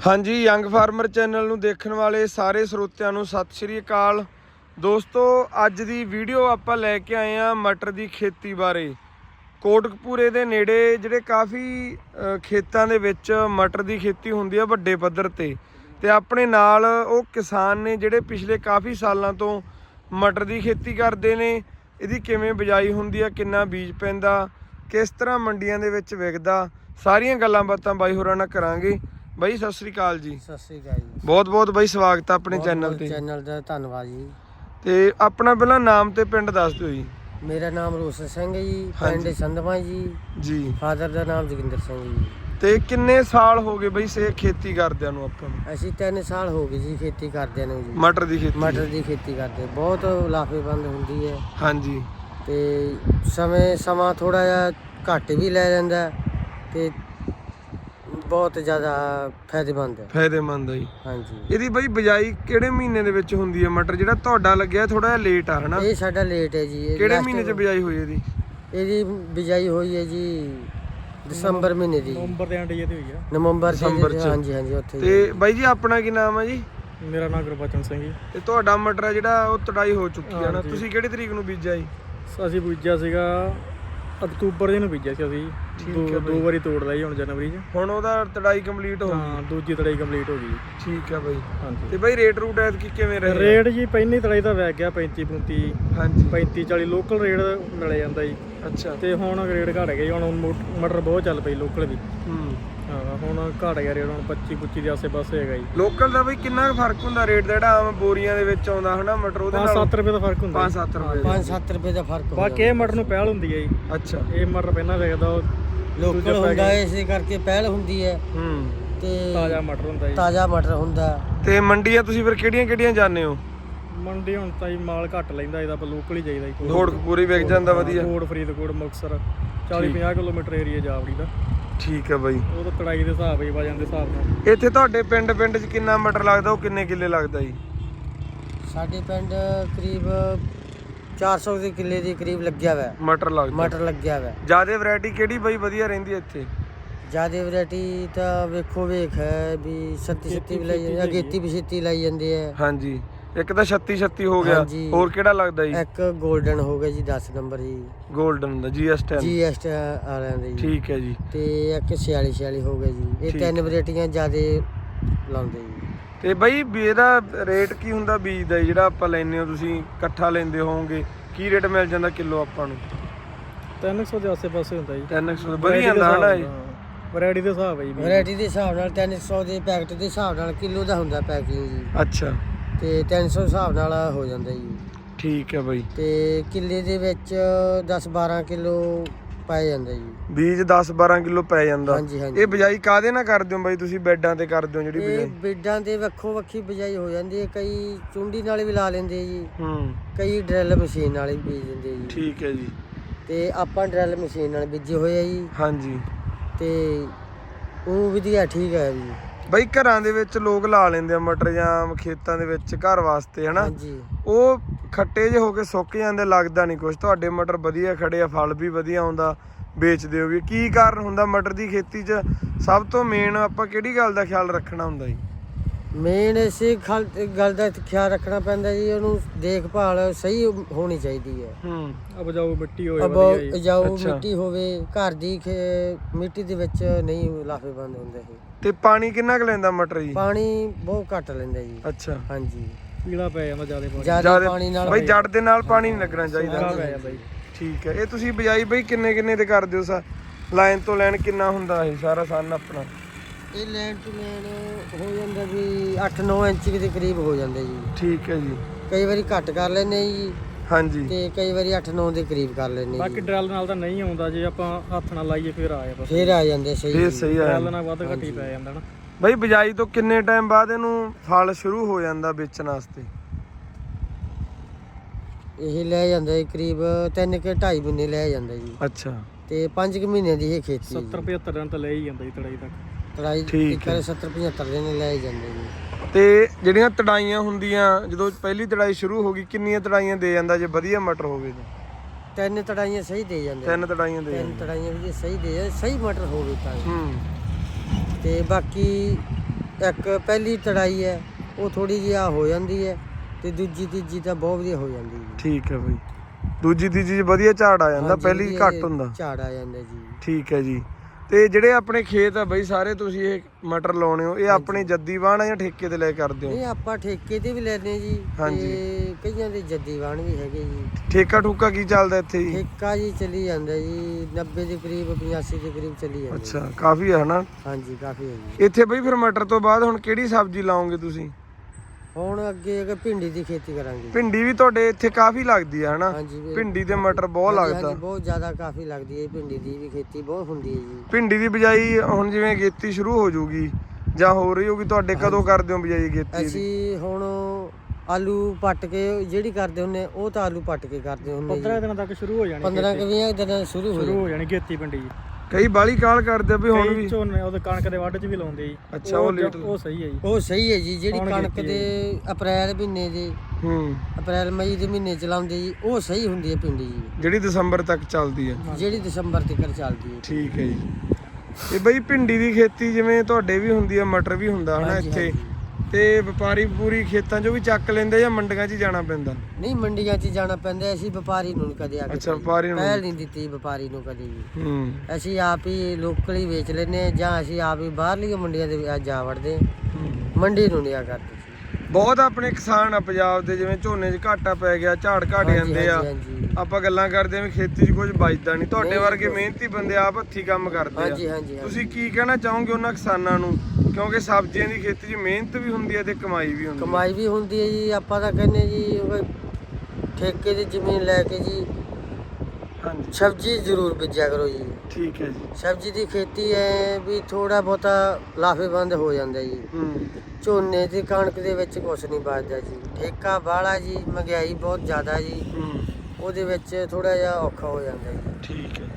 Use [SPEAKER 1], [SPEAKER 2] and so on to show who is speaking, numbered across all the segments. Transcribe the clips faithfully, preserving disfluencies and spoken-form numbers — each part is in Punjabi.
[SPEAKER 1] ਹਾਂਜੀ ਯੰਗ ਫਾਰਮਰ ਚੈਨਲ ਨੂੰ ਦੇਖਣ ਵਾਲੇ ਸਾਰੇ ਸਰੋਤਿਆਂ ਨੂੰ ਸਤਿ ਸ਼੍ਰੀ ਅਕਾਲ। ਦੋਸਤੋ ਅੱਜ ਦੀ ਵੀਡੀਓ ਆਪਾਂ ਲੈ ਕੇ ਆਏ ਆ ਮਟਰ ਦੀ ਖੇਤੀ ਬਾਰੇ। ਕੋਟਕਪੂਰੇ ਦੇ ਨੇੜੇ ਜਿਹੜੇ ਕਾਫੀ ਖੇਤਾਂ ਦੇ ਵਿੱਚ ਮਟਰ ਦੀ ਖੇਤੀ ਹੁੰਦੀ ਆ ਵੱਡੇ ਪੱਧਰ ਤੇ ਤੇ ਆਪਣੇ ਨਾਲ ਉਹ ਕਿਸਾਨ ਨੇ ਜਿਹੜੇ ਪਿਛਲੇ ਕਾਫੀ ਸਾਲਾਂ ਤੋਂ ਮਟਰ ਦੀ ਖੇਤੀ ਕਰਦੇ ਨੇ। ਇਹਦੀ ਕਿਵੇਂ ਬਿਜਾਈ ਹੁੰਦੀ ਆ, ਕਿੰਨਾ ਬੀਜ ਪੈਂਦਾ, ਕਿਸ ਤਰ੍ਹਾਂ ਮੰਡੀਆਂ ਦੇ ਵਿੱਚ ਵਿਕਦਾ, ਸਾਰੀਆਂ ਗੱਲਾਂ ਬਾਤਾਂ ਬਾਈ ਹੋਰਾਂ ਨਾਲ ਕਰਾਂਗੇ। ਬਾਈ ਸਤਿ ਸ੍ਰੀ ਅਕਾਲ ਜੀ।
[SPEAKER 2] ਸਤਿ ਸ੍ਰੀ ਅਕਾਲ ਜੀ।
[SPEAKER 1] ਬਹੁਤ ਬਹੁਤ ਬਾਈ ਸਵਾਗਤ ਆ ਆਪਣੇ ਚੈਨਲ ਤੇ।
[SPEAKER 2] ਚੈਨਲ ਦਾ ਧੰਨਵਾਦ ਜੀ।
[SPEAKER 1] ਤੇ ਆਪਣਾ ਪਹਿਲਾਂ ਨਾਮ ਤੇ ਪਿੰਡ ਦੱਸ ਦਿਓ ਜੀ।
[SPEAKER 2] ਮੇਰਾ ਨਾਮ ਰੋਸ਼ਨ ਸਿੰਘ ਹੈ ਜੀ, ਪਿੰਡ ਸੰਧਵਾ ਜੀ ਜੀ। ਫਾਦਰ ਦਾ ਨਾਮ ਜੋਗਿੰਦਰ ਸਿੰਘ ਜੀ।
[SPEAKER 1] ਤੇ ਕਿੰਨੇ ਸਾਲ ਹੋ ਗਏ ਬਈ ਸੇ ਖੇਤੀ ਕਰਦਿਆਂ ਨੂੰ ਆਪਾਂ ਨੂੰ?
[SPEAKER 2] ਅਸੀਂ ਤਿੰਨ ਸਾਲ ਹੋ ਗਏ ਜੀ ਖੇਤੀ ਕਰਦਿਆਂ ਨੂੰ ਜੀ।
[SPEAKER 1] ਮਟਰ ਦੀ ਖੇਤੀ
[SPEAKER 2] ਮਟਰ ਦੀ ਖੇਤੀ ਕਰਦੇ, ਬਹੁਤ ਲਾਹੇਵੰਦ ਹੁੰਦੀ ਹੈ।
[SPEAKER 1] ਹਾਂਜੀ।
[SPEAKER 2] ਤੇ ਸਮੇਂ ਸਮਾਂ ਥੋੜਾ ਜਿਹਾ ਘੱਟ ਵੀ ਲੈ ਜਾਂਦਾ ਤੇ ਬਹੁਤ ਜ਼ਿਆਦਾ ਫਾਇਦੇਮੰਦ ਹੈ।
[SPEAKER 1] ਫਾਇਦੇਮੰਦ ਹੈ ਜੀ।
[SPEAKER 2] ਹਾਂਜੀ।
[SPEAKER 1] ਇਹਦੀ ਬਈ ਬਿਜਾਈ ਕਿਹੜੇ ਮਹੀਨੇ ਦੇ ਵਿੱਚ ਹੁੰਦੀ ਹੈ? ਮਟਰ ਜਿਹੜਾ ਤੁਹਾਡਾ ਲੱਗਿਆ ਥੋੜਾ ਜਿਹਾ ਲੇਟ ਆ ਹਨਾ?
[SPEAKER 2] ਇਹ ਸਾਡਾ ਲੇਟ ਹੈ ਜੀ।
[SPEAKER 1] ਕਿਹੜੇ ਮਹੀਨੇ 'ਚ ਬਿਜਾਈ ਹੋਈ ਇਹਦੀ?
[SPEAKER 2] ਇਹਦੀ ਬਿਜਾਈ ਹੋਈ ਹੈ ਜੀ ਦਸੰਬਰ ਮਹੀਨੇ ਦੀ।
[SPEAKER 3] ਨਵੰਬਰ ਦੇ ਐਂਡ ਜੇ ਤੇ ਹੋਈ ਆ।
[SPEAKER 2] ਨਵੰਬਰ
[SPEAKER 1] ਦਸੰਬਰ ਚ।
[SPEAKER 2] ਹਾਂਜੀ ਹਾਂਜੀ ਉੱਥੇ।
[SPEAKER 1] ਤੇ ਬਾਈ ਜੀ ਆਪਣਾ ਕੀ ਨਾਮ ਹੈ ਜੀ?
[SPEAKER 3] ਮੇਰਾ ਨਾਮ ਗੁਰਬਚਨ ਸਿੰਘ ਜੀ।
[SPEAKER 1] ਤੇ ਤੁਹਾਡਾ ਮਟਰ ਹੈ ਜਿਹੜਾ ਉਹ ਤੜਾਈ ਹੋ ਚੁੱਕੀ ਹੈ ਨਾ?
[SPEAKER 3] ਹਾਂਜੀ।
[SPEAKER 1] ਤੁਸੀਂ ਕਿਹੜੀ ਤਰੀਕ ਨੂੰ ਬੀਜਿਆ ਜੀ?
[SPEAKER 3] ਅਸੀਂ ਬੀਜਿਆ ਸੀਗਾ ਅਕਤੂਬਰ ਦੇ ਨੂੰ ਬੀਜਿਆ ਸੀ ਅਸੀਂ।
[SPEAKER 1] ਠੀਕ
[SPEAKER 3] ਦੋ
[SPEAKER 1] ਹੈ ਬਾਈ।
[SPEAKER 3] ਦੋ ਵਾਰੀ ਤੋੜਦਾ ਜੀ ਹੁਣ ਜਨਵਰੀ 'ਚ।
[SPEAKER 1] ਹੁਣ ਉਹਦਾ ਤੜਾਈ ਕੰਪਲੀਟ ਹੋ ਗਈ?
[SPEAKER 3] ਹਾਂ, ਦੂਜੀ ਤੜਾਈ ਕੰਪਲੀਟ ਹੋ ਗਈ।
[SPEAKER 1] ਠੀਕ ਹੈ ਬਾਈ।
[SPEAKER 3] ਹਾਂਜੀ।
[SPEAKER 1] ਤੇ ਬਾਈ ਰੇਟ ਰੂਟ ਐਤਕੀ ਕਿਵੇਂ ਰਹੇ?
[SPEAKER 3] ਰੇਟ ਜੀ ਪਹਿਲੀ ਤੜਾਈ ਦਾ ਵਗ ਗਿਆ ਪੈਂਤੀ ਪੈਂਤੀ
[SPEAKER 1] ਹਾਂਜੀ
[SPEAKER 3] ਪੈਂਤੀ ਚਾਲੀ ਲੋਕਲ ਰੇਟ ਮਿਲ ਜਾਂਦਾ ਜੀ।
[SPEAKER 1] ਅੱਛਾ।
[SPEAKER 3] ਤੇ ਹੁਣ ਰੇਟ ਘਟ ਗਿਆ ਜੀ। ਹੁਣ ਮੋ- ਮਟਰ ਬਹੁਤ ਚੱਲ ਪਈ ਲੋਕਲ ਵੀ।
[SPEAKER 1] ਹੂੰ।
[SPEAKER 3] ਹਾਂ, ਹੁਣ ਘਟ ਗਿਆ ਰੇਟ। ਹੁਣ ਪੱਚੀ ਪੁੱਚੀ ਦੇ ਆਸੇ ਪਾਸੇ ਹੈਗਾ ਜੀ।
[SPEAKER 1] ਲੋਕਲ ਦਾ ਬਈ ਕਿੰਨਾ ਕੁ ਫਰਕ ਹੁੰਦਾ ਰੇਟ ਦਾ ਜਿਹੜਾ ਆਮ ਬੋਰੀਆਂ ਦੇ ਵਿੱਚ ਆਉਂਦਾ ਹਨਾ ਮਟਰ ਉਹਦੇ
[SPEAKER 3] ਪੰਜ
[SPEAKER 1] ਨਾਲ?
[SPEAKER 3] ਸੱਤ ਰੁਪਏ ਦਾ ਫਰਕ ਹੁੰਦਾ
[SPEAKER 1] ਪੰਜ
[SPEAKER 3] ਜੀ।
[SPEAKER 1] ਸੱਤ ਰੁਪਏ
[SPEAKER 2] ਪੰਜ ਸੱਤ ਰੁਪਏ ਦਾ ਫਰਕ ਹੁੰਦਾ।
[SPEAKER 3] ਬਾਕੀ ਇਹ ਮਟਰ ਨੂੰ ਪਹਿਲ ਹੁੰਦੀ ਹੈ ਜੀ।
[SPEAKER 1] ਅੱਛਾ।
[SPEAKER 3] ਇਹ ਮਟਰ ਪਹਿਲਾਂ ਵਿਕਦਾ ਉਹ
[SPEAKER 2] ਲੋਕਲ ਹੁੰਦਾ ਹੈ, ਇਸੇ ਕਰਕੇ ਪਹਿਲ ਹੁੰਦੀ ਹੈ
[SPEAKER 1] ਹੂੰ।
[SPEAKER 2] ਤੇ
[SPEAKER 3] ਤਾਜ਼ਾ ਮਟਰ ਹੁੰਦਾ ਜੀ।
[SPEAKER 2] ਤਾਜ਼ਾ ਮਟਰ ਹੁੰਦਾ।
[SPEAKER 1] ਤੇ ਮੰਡੀਆਂ ਤੁਸੀਂ ਫਿਰ ਕਿਹੜੀਆਂ ਕਿਹੜੀਆਂ ਜਾਂਦੇ ਹੋ?
[SPEAKER 3] ਮੰਡੀ ਹੁਣ ਤਾਂ ਜੀ ਮਾਲ ਘੱਟ ਲੈਂਦਾ, ਇਹਦਾ ਲੋਕਲ ਹੀ ਚਾਹੀਦਾ ਜੀ।
[SPEAKER 1] ਕੋਟਕਪੂਰੇ ਵਿਕ ਜਾਂਦਾ ਵਧੀਆ?
[SPEAKER 3] ਕੋਟ ਫਰੀਦਕੋਟ ਮੁਕਤਸਰ ਚਾਲੀ ਪੰਜਾਹ ਕਿਲੋਮੀਟਰ ਏਰੀਆ ਜਾਵੜੀ ਦਾ।
[SPEAKER 1] ਠੀਕ ਹੈ ਬਾਈ।
[SPEAKER 3] ਉਹ ਤਾਂ ਤੜਾਈ ਦੇ ਹਿਸਾਬ ਹੀ ਵਜਨ ਦੇ ਹਿਸਾਬ ਨਾਲ।
[SPEAKER 1] ਇੱਥੇ ਤੁਹਾਡੇ ਪਿੰਡ ਪਿੰਡ 'ਚ ਕਿੰਨਾ ਮਟਰ ਲੱਗਦਾ? ਉਹ ਕਿੰਨੇ ਕਿੱਲੇ ਲੱਗਦਾ ਜੀ?
[SPEAKER 2] ਸਾਡੇ ਪਿੰਡ ਕਰੀਬ ਚਾਰ ਸੌ ਦੇ ਕਿੱਲੇ ਦੇ ਕਰੀਬ ਲੱਗਿਆ ਹੋਇਆ
[SPEAKER 1] ਮਟਰ ਲੱਗਦਾ?
[SPEAKER 2] ਮਟਰ ਲੱਗਿਆ ਹੋਇਆ।
[SPEAKER 1] ਜਿਆਦਾ ਵੈਰਾਈਟੀ ਕਿਹੜੀ ਬਾਈ ਵਧੀਆ ਰਹਿੰਦੀ ਹੈ ਇੱਥੇ?
[SPEAKER 2] ਜਿਆਦਾ ਵੈਰਾਈਟੀ ਤਾਂ ਵੇਖੋ ਵੇਖ ਹੈ ਵੀ ਛੱਤੀ ਛੱਤੀ ਵੀ ਲਾਈ ਜਾਂਦੇ, ਅਗੇਤੀ ਵੀ ਛੱਤੀ ਲਾਈ ਜਾਂਦੇ ਆ।
[SPEAKER 1] ਹਾਂਜੀ। ਇੱਕ ਤਾਂ ਛੱਤੀ ਛੱਤੀ ਹੋ ਗਿਆ।
[SPEAKER 2] ਹਾਂਜੀ।
[SPEAKER 1] ਹੋਰ ਕਿਹੜਾ ਲੱਗਦਾ ਜੀ?
[SPEAKER 2] ਇੱਕ 골ਡਨ ਹੋ ਗਿਆ ਜੀ ਦਸ ਨੰਬਰ ਜੀ।
[SPEAKER 1] 골ਡਨ ਦਾ G S ten.
[SPEAKER 2] G S T ਵਾਲਿਆਂ ਦੇ ਜੀ।
[SPEAKER 1] ਠੀਕ ਹੈ ਜੀ।
[SPEAKER 2] ਤੇ ਇੱਕ ਛਿਆਲੀ ਛਿਆਲੀ ਹੋ ਗਿਆ ਜੀ। ਇਹ
[SPEAKER 1] ਠੀਕ।
[SPEAKER 2] ਤਿੰਨ ਵੈਰਾਈਟੀਆਂ ਜਿਆਦੇ ਲਾਉਂਦੇ ਜੀ।
[SPEAKER 1] ਤੇ ਬਾਈ ਵੀ ਇਹਦਾ ਰੇਟ ਕੀ ਹੁੰਦਾ ਬੀਜ ਦਾ ਜਿਹੜਾ ਆਪਾਂ ਲੈਨੇ ਹੋ? ਤੁਸੀਂ ਇਕੱਠਾ ਲੈਂਦੇ ਹੋਵੋਗੇ, ਕੀ ਰੇਟ ਮਿਲ ਜਾਂਦਾ ਕਿਲੋ ਆਪਾਂ ਨੂੰ?
[SPEAKER 3] ਤਿੰਨ ਸੌ ਦੇ ਆਸੇ ਪਾਸੇ ਹੁੰਦਾ ਜੀ।
[SPEAKER 1] ਤਿੰਨ ਸੌ ਵਧੀਆ ਹੁੰਦਾ ਹਨਾ ਇਹ?
[SPEAKER 3] ਵੈਰਾਈਟੀ ਦੇ ਹਿਸਾਬ ਹੈ ਜੀ।
[SPEAKER 2] ਵੈਰਾਈਟੀ ਦੇ ਹਿਸਾਬ ਨਾਲ ਤਿੰਨ ਸੌ ਦੇ ਪੈਕਟ ਦੇ ਹਿਸਾਬ ਨਾਲ ਕਿਲੋ ਦਾ ਹੁੰਦਾ ਪੈਕਿੰਗ ਜੀ।
[SPEAKER 1] ਅੱਛਾ।
[SPEAKER 2] ਤੇ ਤਿੰਨ ਸੌ ਹਿਸਾਬ ਨਾਲ ਹੋ ਜਾਂਦਾ ਜੀ।
[SPEAKER 1] ਠੀਕ ਹੈ ਬਾਈ।
[SPEAKER 2] ਤੇ ਕਿੱਲੇ ਦੇ ਵਿੱਚ ਦਸ ਬਾਰਾਂ ਕਿਲੋ ਪਾਇਆ ਜਾਂਦਾ ਜੀ।
[SPEAKER 1] ਬੀਜ ਦਸ ਬਾਰਾਂ ਕਿਲੋ ਪੈ ਜਾਂਦਾ?
[SPEAKER 2] ਹਾਂਜੀ ਹਾਂਜੀ।
[SPEAKER 1] ਇਹ ਬਿਜਾਈ ਕਾਹਦੇ ਨਾਲ ਕਰਦੇ ਹੋ ਬਾਈ ਤੁਸੀਂ? ਬੈਡਾਂ ਤੇ ਕਰਦੇ ਹੋ ਜਿਹੜੀ
[SPEAKER 2] ਇਹ
[SPEAKER 1] ਬਿਜਾਈ?
[SPEAKER 2] ਬੇਡਾਂ ਦੇ ਵੱਖੋ ਵੱਖੀ ਬਿਜਾਈ ਹੋ ਜਾਂਦੀ ਹੈ। ਕਈ ਚੁੰਡੀ ਨਾਲ ਵੀ ਲਾ ਲੈਂਦੇ ਜੀ,
[SPEAKER 1] ਹੂੰ।
[SPEAKER 2] ਕਈ ਡਰਿਲ ਮਸ਼ੀਨ ਨਾਲ ਵੀ ਬੀਜ ਦਿੰਦੇ ਜੀ।
[SPEAKER 1] ਠੀਕ ਹੈ ਜੀ।
[SPEAKER 2] ਤੇ ਆਪਾਂ ਡਰਿਲ ਮਸ਼ੀਨ ਨਾਲ ਬੀਜੇ ਹੋਏ ਆ ਜੀ।
[SPEAKER 1] ਹਾਂਜੀ।
[SPEAKER 2] ਤੇ ਉਹ ਵਧੀਆ ਠੀਕ ਹੈ ਜੀ।
[SPEAKER 1] ਬਾਈ ਘਰਾਂ ਦੇ ਵਿੱਚ ਲੋਕ ਲਾ ਲੈਂਦੇ ਆ ਮਟਰ ਜਾਂ ਖੇਤਾਂ ਦੇ ਵਿੱਚ ਘਰ ਵਾਸਤੇ ਹਨਾ?
[SPEAKER 2] ਹਾਂਜੀ।
[SPEAKER 1] ਉਹ ਖੱਟੇ ਜਿਹੇ ਹੋ ਕੇ ਸੁੱਕ ਜਾਂਦੇ, ਲੱਗਦਾ ਨਹੀਂ ਕੁਝ। ਤੁਹਾਡੇ ਮਟਰ ਵਧੀਆ ਖੜੇ ਆ, ਫਲ ਵੀ ਵਧੀਆ ਆਉਂਦਾ, ਵੇਚਦੇ ਹੋ ਵੀ। ਕੀ ਕਾਰਨ ਹੁੰਦਾ ਮਟਰ ਦੀ ਖੇਤੀ 'ਚ? ਸਭ ਤੋਂ ਮੇਨ ਆਪਾਂ ਕਿਹੜੀ ਗੱਲ ਦਾ ਖਿਆਲ ਰੱਖਣਾ ਹੁੰਦਾ ਜੀ?
[SPEAKER 2] ਮੇਨ ਇਸੇ ਖਲ ਗੱਲ ਦਾ ਖਿਆਲ ਰੱਖਣਾ ਪੈਂਦਾ ਜੀ, ਉਹਨੂੰ ਦੇਖਭਾਲ ਸਹੀ ਹੋਣੀ ਚਾਹੀਦੀ ਹੈ।
[SPEAKER 1] ਹੂੰ।
[SPEAKER 3] ਉਪਜਾਊ ਮਿੱਟੀ ਹੋਵੇ
[SPEAKER 2] ਅਬ
[SPEAKER 3] ਵਧੀਆ ਜੀ।
[SPEAKER 2] ਉਪਜਾਊ
[SPEAKER 1] ਅੱਛਾ।
[SPEAKER 2] ਮਿੱਟੀ ਹੋਵੇ। ਘਰ ਦੀ ਖੇ- ਮਿੱਟੀ ਦੇ ਵਿੱਚ ਨਹੀਂ ਲਾਹੇਵੰਦ ਹੁੰਦੇ ਇਹ।
[SPEAKER 1] ਤੇ ਪਾਣੀ ਕਿੰਨਾ ਕੁ ਲੈਂਦਾ ਮਟਰ ਜੀ?
[SPEAKER 2] ਪਾਣੀ ਬਹੁਤ ਘੱਟ ਲੈਂਦਾ ਜੀ।
[SPEAKER 1] ਅੱਛਾ।
[SPEAKER 2] ਹਾਂਜੀ।
[SPEAKER 3] ਪੀਲਾ ਪੈ ਜਾਂਦਾ ਜ਼ਿਆਦਾ ਪਾਣੀ।
[SPEAKER 2] ਜ਼ਿਆਦਾ
[SPEAKER 1] ਜ਼ਿਆਦੇ
[SPEAKER 2] ਪਾਣੀ ਨਾਲ
[SPEAKER 1] ਬਾਈ ਜੜ ਦੇ ਨਾਲ ਪਾਣੀ ਨਹੀਂ ਲੱਗਣਾ ਚਾਹੀਦਾ।
[SPEAKER 3] ਸੁੱਕਾ ਪੈ ਜਾਂਦਾ ਜੀ।
[SPEAKER 1] ਠੀਕ ਹੈ। ਇਹ ਤੁਸੀਂ ਬਿਜਾਈ ਬਾਈ ਕਿੰਨੇ ਕਿੰਨੇ ਤੇ ਕਰਦੇ ਹੋ? ਸਾ ਲਾਈਨ ਤੋਂ ਲਾਈਨ ਕਿੰਨਾ ਹੁੰਦਾ ਇਹ ਸਾਰਾ ਸੰਨ ਆਪਣਾ?
[SPEAKER 2] ਇਹ ਲੈਣ ਟੂ ਲੈਣ ਹੋ ਜਾਂਦਾ ਵੀ ਅੱਠ ਨੌ ਇੰਚ ਦੇ ਕਰੀਬ ਹੋ ਜਾਂਦਾ ਜੀ।
[SPEAKER 1] ਠੀਕ ਹੈ ਜੀ।
[SPEAKER 2] ਕਈ ਵਾਰੀ ਘੱਟ ਕਰ ਲੈਂਦੇ ਜੀ
[SPEAKER 1] ਹਾਂਜੀ।
[SPEAKER 2] ਤੇ ਕਈ ਵਾਰੀ ਅੱਠ ਨੌ ਦੇ ਕਰੀਬ ਕਰ ਲੈਂਦੇ
[SPEAKER 3] ਬਾਕੀ
[SPEAKER 2] ਜੀ।
[SPEAKER 3] ਡਰਲ ਨਾਲ ਤਾਂ ਨਹੀਂ ਆਉਂਦਾ, ਜੇ ਆਪਾਂ ਹੱਥ ਨਾਲ ਲਾਈਏ ਫਿਰ ਆ ਜਾਂਦਾ।
[SPEAKER 2] ਫੇਰ ਆ ਜਾਂਦੇ ਸਹੀ
[SPEAKER 1] ਇਹ
[SPEAKER 2] ਜੀ।
[SPEAKER 1] ਸਹੀ ਆ।
[SPEAKER 3] ਡਰਲ ਨਾਲ ਵੱਧ ਘੱਟ ਹੀ ਪੈ ਜਾਂਦਾ ਨਾ।
[SPEAKER 1] ਬਾਈ ਬਿਜਾਈ ਤੋਂ ਕਿੰਨੇ ਟਾਈਮ ਬਾਅਦ ਇਹਨੂੰ ਫਲ ਸ਼ੁਰੂ ਹੋ ਜਾਂਦਾ ਵੇਚਣ ਵਾਸਤੇ?
[SPEAKER 2] ਇਹ ਲੈ ਜਾਂਦਾ ਜੀ ਕਰੀਬ ਤਿੰਨ ਕੇ ਢਾਈ ਮਹੀਨੇ ਲੈ ਜਾਂਦਾ ਜੀ।
[SPEAKER 1] ਅੱਛਾ।
[SPEAKER 2] ਤੇ ਪੰਜ ਕੁ ਮਹੀਨੇ ਦੀ ਇਹ ਖੇਤੀ ਹੈ ਜੀ।
[SPEAKER 3] ਸੱਤਰ ਪਝੱਤਰ ਦਿਨ ਤਾਂ ਲੈ ਹੀ ਜਾਂਦਾ ਜੀ ਤੜਾਈ ਤੱਕ।
[SPEAKER 2] ਤੜਾਈ
[SPEAKER 1] ਠੀਕ ਹੈ।
[SPEAKER 2] ਕਰੇ ਸੱਤਰ ਪਝੱਤਰ ਦਿਨ ਲੈ ਜਾਂਦੇ ਜੀ।
[SPEAKER 1] ਤੇ ਜਿਹੜੀਆਂ ਤੜਾਈਆਂ ਹੁੰਦੀਆਂ, ਜਦੋਂ ਪਹਿਲੀ ਤੜਾਈ ਸ਼ੁਰੂ ਹੋ ਗਈ, ਕਿੰਨੀਆਂ ਤੜਾਈਆਂ ਦੇ ਜਾਂਦਾ ਜੇ ਵਧੀਆ ਮਟਰ ਹੋਵੇ ਤਾਂ?
[SPEAKER 2] ਤਿੰਨ ਤੜਾਈਆਂ ਸਹੀ ਦੇ ਜਾਂਦੇ।
[SPEAKER 1] ਤਿੰਨ ਤੜਾਈਆਂ ਦੇ
[SPEAKER 2] ਤਿੰਨ
[SPEAKER 1] ਜਾਂਦੇ।
[SPEAKER 2] ਤੜਾਈਆਂ ਵੀ ਜੇ ਸਹੀ ਦੇ ਸਹੀ ਮਟਰ ਹੋਵੇ ਤਾਂ।
[SPEAKER 1] ਹੂੰ।
[SPEAKER 2] ਤੇ ਬਾਕੀ ਇੱਕ ਪਹਿਲੀ ਤੜਾਈ ਹੈ ਉਹ ਥੋੜੀ ਜਿਹੀ ਆ ਹੋ ਜਾਂਦੀ ਹੈ ਤੇ ਦੂਜੀ ਤੀਜੀ ਤਾਂ ਬਹੁਤ ਵਧੀਆ ਹੋ ਜਾਂਦੀ ਜੀ।
[SPEAKER 1] ਠੀਕ ਹੈ ਬਈ, ਦੂਜੀ ਤੀਜੀ 'ਚ ਵਧੀਆ ਝਾੜ ਆ ਜਾਂਦਾ,
[SPEAKER 2] ਹਾਂਜੀ,
[SPEAKER 1] ਪਹਿਲੀ
[SPEAKER 2] ਵਧੀਆ
[SPEAKER 1] ਘੱਟ ਹੁੰਦਾ।
[SPEAKER 2] ਝਾੜ ਆ ਜਾਂਦਾ ਜੀ।
[SPEAKER 1] ਠੀਕ ਹੈ ਜੀ। ਤੇ ਜਿਹੜੇ ਆਪਣੇ ਖੇਤ ਆ ਬਈ ਸਾਰੇ ਤੁਸੀਂ ਇਹ ਮਟਰ ਲਾਉਣੇ ਹੋ, ਇਹ ਆਪਣੇ ਜੱਦੀ ਵਾਹਣ ਆ ਜਾਂ ਠੇਕੇ ਤੇ ਲੈ ਕਰਦੇ ਹੋ?
[SPEAKER 2] ਨਹੀਂ ਆਪਾਂ ਠੇਕੇ ਤੇ ਵੀ ਲੈਨੇ ਜੀ ਤੇ ਕਈਆਂ ਦੇ ਜੱਦੀ ਵਾਹਣ ਵੀ ਹੈਗੇ ਜੀ।
[SPEAKER 1] ਠੇਕਾ ਠੂਕਾ ਕੀ ਚੱਲਦਾ ਇੱਥੇ ਜੀ?
[SPEAKER 2] ਠੇਕਾ ਜੀ ਚੱਲੀ ਜਾਂਦਾ ਜੀ ਨੱਬੇ ਦੇ ਕਰੀਬ ਪਚਾਸੀ ਦੇ ਕਰੀਬ ਚੱਲੀ ਜਾਂਦਾ।
[SPEAKER 1] ਅੱਛਾ, ਕਾਫੀ ਹੈ ਹਨਾ।
[SPEAKER 2] ਹਾਂਜੀ ਕਾਫੀ ਹੈ ਜੀ।
[SPEAKER 1] ਇੱਥੇ ਬਈ ਫਿਰ ਮਟਰ ਤੋਂ ਬਾਅਦ ਹੁਣ ਕਿਹੜੀ ਸਬਜ਼ੀ ਲਾਓਗੇ ਤੁਸੀਂ?
[SPEAKER 2] ਹੁਣ ਅੱਗੇ ਅਗੇ ਭਿੰਡੀ ਦੀ ਖੇਤੀ ਕਰਾਂਗੇ।
[SPEAKER 1] ਭਿੰਡੀ ਵੀ ਤੁਹਾਡੇ ਇੱਥੇ ਕਾਫੀ ਲੱਗਦੀ ਹੈ ਹਨਾ?
[SPEAKER 2] ਹਾਂਜੀ ਵੀ-
[SPEAKER 1] ਭਿੰਡੀ ਤੇ ਮਟਰ ਬਹੁਤ
[SPEAKER 2] ਹਾਂਜੀ,
[SPEAKER 1] ਲੱਗਦਾ।
[SPEAKER 2] ਹਾਂਜੀ, ਬਹੁਤ ਜ਼ਿਆਦਾ ਕਾਫੀ ਲੱਗਦੀ ਹੈ ਭਿੰਡੀ ਦੀ ਵੀ ਖੇਤੀ ਬਹੁਤ ਹੁੰਦੀ ਹੈ ਜੀ।
[SPEAKER 1] ਭਿੰਡੀ ਦੀ ਬਿਜਾਈ ਹੁਣ ਜਿਵੇਂ ਗੇਤੀ ਸ਼ੁਰੂ ਹੋ ਜਾਊਗੀ ਜਾਂ ਹੋ ਰਹੀ ਹੋਗੀ, ਤੁਹਾਡੇ ਕਦੋਂ ਕਰਦੇ ਹੋ ਬਿਜਾਈ ਗੇਤੀ ਦੀ?
[SPEAKER 2] ਅਸੀਂ ਹੁਣ ਆਲੂ ਪੱਟ ਕੇ ਜਿਹੜੀ ਕਰਦੇ ਹੁੰਨੇ ਉਹ ਤਾਂ ਆਲੂ ਪੱਟ ਕੇ ਕਰਦੇ ਹੁੰਨੇ
[SPEAKER 3] ਪੰਦਰਾਂ ਦਿਨਾਂ ਤੱਕ ਸ਼ੁਰੂ ਹੋ ਜਾਣੀ
[SPEAKER 2] ਪੰਦਰਾਂ ਕੁ ਵੀਹ ਦਿਨਾਂ ਸ਼ੁਰੂ ਹੋ
[SPEAKER 3] ਸ਼ੁਰੂ ਹੋ ਜਾਣੀ ਗੇਤੀ ਪਿੰਡੀ ਜੀ।
[SPEAKER 1] ਕਈ ਬਾਲੀ ਕਾਲ ਕਰਦੇ ਆ ਵੀ ਹੁਣ
[SPEAKER 3] ਕਈ
[SPEAKER 1] ਵੀ।
[SPEAKER 3] ਝੋਨੇ ਉਹਦੇ ਕਣਕ ਦੇ ਵੱਢ 'ਚ ਵੀ ਲਾਉਂਦੇ ਜੀ।
[SPEAKER 1] ਅੱਛਾ, ਉਹ ਲੇਟ
[SPEAKER 3] ਉਹ ਸਹੀ ਹੈ ਜੀ।
[SPEAKER 2] ਉਹ ਸਹੀ ਹੈ ਜੀ। ਜਿਹੜੀ
[SPEAKER 3] ਹੁਣ
[SPEAKER 2] ਕਣਕ
[SPEAKER 3] ਕੀਤੀ
[SPEAKER 2] ਦੇ ਅਪ੍ਰੈਲ ਮਹੀਨੇ ਦੇ
[SPEAKER 1] ਹੂੰ,
[SPEAKER 2] ਅਪ੍ਰੈਲ ਮਈ ਦੇ ਮਹੀਨੇ ਚ ਲਾਉਂਦੇ ਜੀ ਉਹ ਸਹੀ ਹੁੰਦੀ ਹੈ ਭਿੰਡੀ ਜੀ,
[SPEAKER 1] ਜਿਹੜੀ ਦਸੰਬਰ ਤੱਕ ਚੱਲਦੀ ਹੈ।
[SPEAKER 2] ਜਿਹੜੀ ਦਸੰਬਰ ਤੱਕ ਚੱਲਦੀ ਹੈ।
[SPEAKER 1] ਠੀਕ ਹੈ ਜੀ। ਤੇ ਬਈ ਭਿੰਡੀ ਦੀ ਖੇਤੀ ਜਿਵੇਂ ਤੁਹਾਡੇ ਵੀ ਹੁੰਦੀ ਹੈ, ਮਟਰ ਵੀ ਹੁੰਦਾ ਹਨਾ
[SPEAKER 2] ਹਾਂਜੀ,
[SPEAKER 1] ਇੱਥੇ,
[SPEAKER 2] ਹਾਂਜੀ।
[SPEAKER 1] ਤੇ ਵਪਾਰੀ ਪੂਰੀ ਖੇਤਾਂ 'ਚੋਂ ਵੀ ਚੱਕ ਲੈਂਦੇ ਜਾਂ ਮੰਡੀਆਂ 'ਚ ਹੀ ਜਾਣਾ ਪੈਂਦਾ?
[SPEAKER 2] ਨਹੀਂ ਮੰਡੀਆਂ 'ਚ ਜਾਣਾ ਪੈਂਦਾ। ਅਸੀਂ ਵਪਾਰੀ ਨੂੰ ਨੀ ਕਦੇ ਆ ਕੇ
[SPEAKER 1] ਅੱਛਾ, ਵਪਾਰੀ ਨੂੰ।
[SPEAKER 2] ਪਹਿਲ ਨਹੀਂ ਦਿੱਤੀ ਵਪਾਰੀ ਨੂੰ ਕਦੇ ਜੀ।
[SPEAKER 1] ਹੂੰ,
[SPEAKER 2] ਅਸੀਂ ਆਪ ਹੀ ਲੋਕਲ ਹੀ ਵੇਚ ਲੈਨੇ ਹਾਂ ਜਾਂ ਅਸੀਂ ਆਪ ਹੀ ਬਾਹਰਲੀਆਂ ਮੰਡੀਆਂ ਦੇ ਵਿੱਚ ਜਾ ਵੜਦੇ ਹਾਂ। ਮੰਡੀ ਨੂੰ ਨਹੀਂ ਆ ਕਰਦੇ ਸੀ।
[SPEAKER 1] ਬਹੁਤ ਆਪਣੇ ਕਿਸਾਨ ਆ ਪੰਜਾਬ ਦੇ, ਜਿਵੇਂ ਝੋਨੇ 'ਚ ਘਾਟਾ ਪੈ ਗਿਆ, ਝਾੜ ਘਟ
[SPEAKER 2] ਹਾਂਜੀ,
[SPEAKER 1] ਜਾਂਦੇ ਆ,
[SPEAKER 2] ਹਾਂਜੀ,
[SPEAKER 1] ਆਪਾਂ ਗੱਲਾਂ ਕਰਦੇ ਆ ਵੀ ਖੇਤੀ 'ਚ ਕੁਝ ਬਚਦਾ ਨਹੀਂ। ਤੁਹਾਡੇ
[SPEAKER 2] ਨਹੀਂ,
[SPEAKER 1] ਵਰਗੇ
[SPEAKER 2] ਕੁਛ-
[SPEAKER 1] ਮਿਹਨਤੀ ਬੰਦੇ ਆਪ ਹੱਥੀਂ ਕੰਮ ਕਰਦੇ
[SPEAKER 2] ਹਾਂਜੀ
[SPEAKER 1] ਆ।
[SPEAKER 2] ਹਾਂਜੀ ਹਾਂਜੀ।
[SPEAKER 1] ਤੁਸੀਂ ਕੀ ਕਹਿਣਾ ਚਾਹੋਗੇ ਉਹਨਾਂ ਕਿਸਾਨਾਂ ਨੂੰ, ਕਿਉਂਕਿ ਸਬਜ਼ੀਆਂ ਦੀ ਖੇਤੀ 'ਚ ਮਿਹਨਤ ਵੀ ਹੁੰਦੀ ਹੈ ਤੇ ਕਮਾਈ ਵੀ ਹੁੰਦੀ ਹੈ?
[SPEAKER 2] ਕਮਾਈ ਵੀ ਹੁੰਦੀ ਹੈ ਜੀ। ਆਪਾਂ ਤਾਂ ਕਹਿੰਦੇ ਜੀ ਉਹ ਠੇਕੇ ਦੀ ਜ਼ਮੀਨ ਲੈ ਕੇ ਜੀ
[SPEAKER 1] ਹਾਂਜੀ,
[SPEAKER 2] ਸਬਜ਼ੀ ਜ਼ਰੂਰ ਬੀਜਿਆ ਕਰੋ ਜੀ।
[SPEAKER 1] ਠੀਕ ਹੈ ਜੀ।
[SPEAKER 2] ਸਬਜ਼ੀ ਦੀ ਖੇਤੀ ਹੈ ਵੀ ਥੋੜਾ ਬਹੁਤਾ ਲਾਭੇਵੰਦ ਹੋ ਜਾਂਦਾ ਜੀ।
[SPEAKER 1] ਹੂੰ,
[SPEAKER 2] ਝੋਨੇ ਤੇ ਕਣਕ ਦੇ ਵਿੱਚ ਕੁਛ ਨਹੀਂ ਬਚਦਾ ਜੀ। ਠੇਕਾ ਬਾਹਲਾ ਜੀ, ਮਹਿੰਗਾਈ ਬਹੁਤ ਜ਼ਿਆਦਾ ਜੀ,
[SPEAKER 1] ਹੂੰ,
[SPEAKER 2] ਉਹਦੇ ਵਿੱਚ ਥੋੜਾ ਜਿਹਾ ਔਖਾ ਹੋ ਜਾਂਦਾ ਜੀ।
[SPEAKER 1] ਠੀਕ ਹੈ।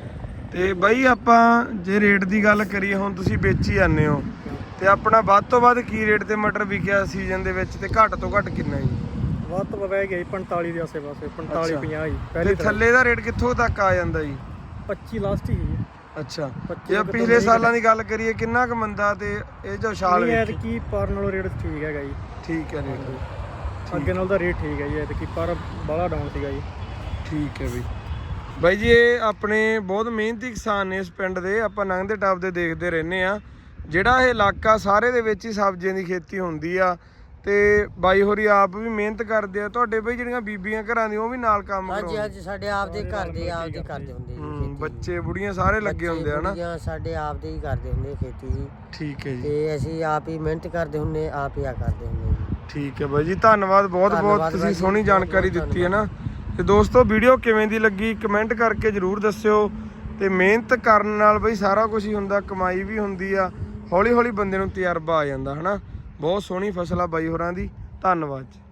[SPEAKER 1] ਤੇ ਬਈ ਆਪਾਂ ਜੇ ਰੇਟ ਦੀ ਗੱਲ ਕਰੀਏ, ਹੁਣ ਤੁਸੀਂ ਵੇਚੀ ਜਾਂਦੇ ਹੋ ਤੇ ਆਪਣਾ ਵੱਧ ਤੋਂ ਵੱਧ ਕੀ ਰੇਟ ਤੇ ਮਟਰ ਵਿਕਿਆ ਸੀਜ਼ਨ ਦੇ ਵਿੱਚ, ਤੇ ਘੱਟ ਤੋਂ ਘੱਟ ਕਿੰਨਾ ਜੀ?
[SPEAKER 3] ਵੱਧ ਤੋਂ ਵੱਧ ਗਿਆ ਜੀ ਪੰਤਾਲੀ ਦੇ ਆਸੇ ਪਾਸੇ, ਪੰਤਾਲੀ ਪੰਜਾਹ ਜੀ।
[SPEAKER 1] ਤੇ
[SPEAKER 3] ਪਹਿਲੇ
[SPEAKER 1] ਥੱਲੇ ਦਾ ਰੇਟ ਕਿੱਥੋਂ ਤੱਕ ਆ ਜਾਂਦਾ ਜੀ?
[SPEAKER 3] ਪੱਚੀ ਲਾਸਟ ਹੀ ਜੀ।
[SPEAKER 1] ਅੱਛਾ,
[SPEAKER 3] ਪੱਚੀ
[SPEAKER 1] ਜੇ
[SPEAKER 3] ਕੁ ਤੋਂ
[SPEAKER 1] ਪਿਛਲੇ
[SPEAKER 3] ਨਹੀਂ
[SPEAKER 1] ਸਾਲਾਂ ਦੀ ਗੱਲ ਕਰੀਏ ਕਿੰਨਾ ਕੁ ਮੰਦਾ ਤੇ ਇਹ ਜੋ ਛਾਲ
[SPEAKER 3] ਨਹੀਂ
[SPEAKER 1] ਵੇਖੀ?
[SPEAKER 3] ਐਤਕੀ ਪਰ ਨਾਲੋਂ ਰੇਟ ਠੀਕ ਹੈਗਾ ਜੀ।
[SPEAKER 1] ਠੀਕ ਹੈ ਰੇਟ,
[SPEAKER 3] ਅੱਗੇ ਨਾਲ ਦਾ ਰੇਟ ਠੀਕ ਹੈ ਜੀ। ਐਤਕੀ ਪਰ ਬਾਹਲਾ ਡਾਊਨ ਸੀਗਾ ਜੀ।
[SPEAKER 1] ਠੀਕ ਹੈ ਬਈ। ਬਾਈ ਜੀ ਇਹ ਆਪਣੇ ਬਹੁਤ ਮਿਹਨਤੀ ਕਿਸਾਨ ਨੇ ਇਸ ਪਿੰਡ ਦੇ, ਆਪਾਂ ਲੰਘਦੇ ਟੱਪਦੇ ਦੇਖਦੇ ਰਹਿੰਦੇ ਆ। ਜਿਹੜਾ ਇਹ ਇਲਾਕਾ ਸਾਰੇ ਦੇ ਵਿੱਚ ਹੀ ਸਬਜ਼ੀਆਂ ਦੀ ਖੇਤੀ ਹੁੰਦੀ ਆ ਤੇ ਬਾਈ ਹੋਰੀ ਆਪ ਵੀ ਮਿਹਨਤ ਕਰਦੇ ਆ। ਤੁਹਾਡੇ ਬਈ ਜਿਹੜੀਆਂ ਬੀਬੀਆਂ ਘਰਾਂ ਦੀਆਂ ਉਹ ਵੀ ਨਾਲ ਕੰਮ
[SPEAKER 2] ਹਾਂਜੀ
[SPEAKER 1] ਕਰਾਉਂਦੇ?
[SPEAKER 2] ਹਾਂਜੀ, ਸਾਡੇ ਆਪ ਦੇ ਘਰ ਦੇ ਆਪ ਦੇ ਕਰਦੇ ਹੁੰਦੇ ਜੀ
[SPEAKER 1] ਹੂੰ,
[SPEAKER 2] ਖੇਤੀ।
[SPEAKER 1] ਬੱਚੇ ਬੁੜੀਆਂ ਸਾਰੇ ਲੱਗੇ
[SPEAKER 2] ਬੱਚੇ,
[SPEAKER 1] ਹੁੰਦੇ ਆ ਨਾ?
[SPEAKER 2] ਕੁੜੀਆਂ ਸਾਡੇ ਆਪ ਦੇ ਹੀ ਕਰਦੇ ਹੁੰਦੇ ਖੇਤੀ ਜੀ।
[SPEAKER 1] ਠੀਕ ਹੈ ਜੀ,
[SPEAKER 2] ਤੇ ਅਸੀਂ ਆਪ ਹੀ ਮਿਹਨਤ ਕਰਦੇ ਹੁੰਦੇ, ਆਪ ਹੀ ਆ ਕਰਦੇ ਹੁੰਦੇ ਜੀ।
[SPEAKER 1] ਠੀਕ ਹੈ ਬਾਈ ਜੀ, ਧੰਨਵਾਦ ਬਹੁਤ ਬਹੁਤ,
[SPEAKER 2] ਧੰਨਵਾਦ
[SPEAKER 1] ਤੁਸੀਂ
[SPEAKER 2] ਬਾਈ ਜੀ,
[SPEAKER 1] ਸੋਹਣੀ
[SPEAKER 2] ਬਹੁਤ
[SPEAKER 1] ਜਾਣਕਾਰੀ
[SPEAKER 2] ਬਹੁਤ
[SPEAKER 1] ਦਿੱਤੀ ਹੈ ਨਾ। ਤੇ ਦੋਸਤੋ ਵੀਡੀਓ ਕਿਵੇਂ ਦੀ ਲੱਗੀ ਕਮੈਂਟ ਕਰਕੇ ਜਰੂਰ ਦੱਸਿਓ। ਤੇ ਮਿਹਨਤ ਕਰਨ ਨਾਲ ਬਈ ਸਾਰਾ ਕੁਝ ਹੀ ਹੁੰਦਾ, ਕਮਾਈ ਵੀ ਹੁੰਦੀ ਆ, ਹੌਲੀ ਹੌਲੀ ਬੰਦੇ ਨੂੰ ਤਜਰਬਾ ਆ ਜਾਂਦਾ ਹਨਾ। ਬਹੁਤ ਸੋਹਣੀ ਫਸਲ ਆ ਬਾਈ ਹੋਰਾਂ ਦੀ, ਧੰਨਵਾਦ ਜੀ।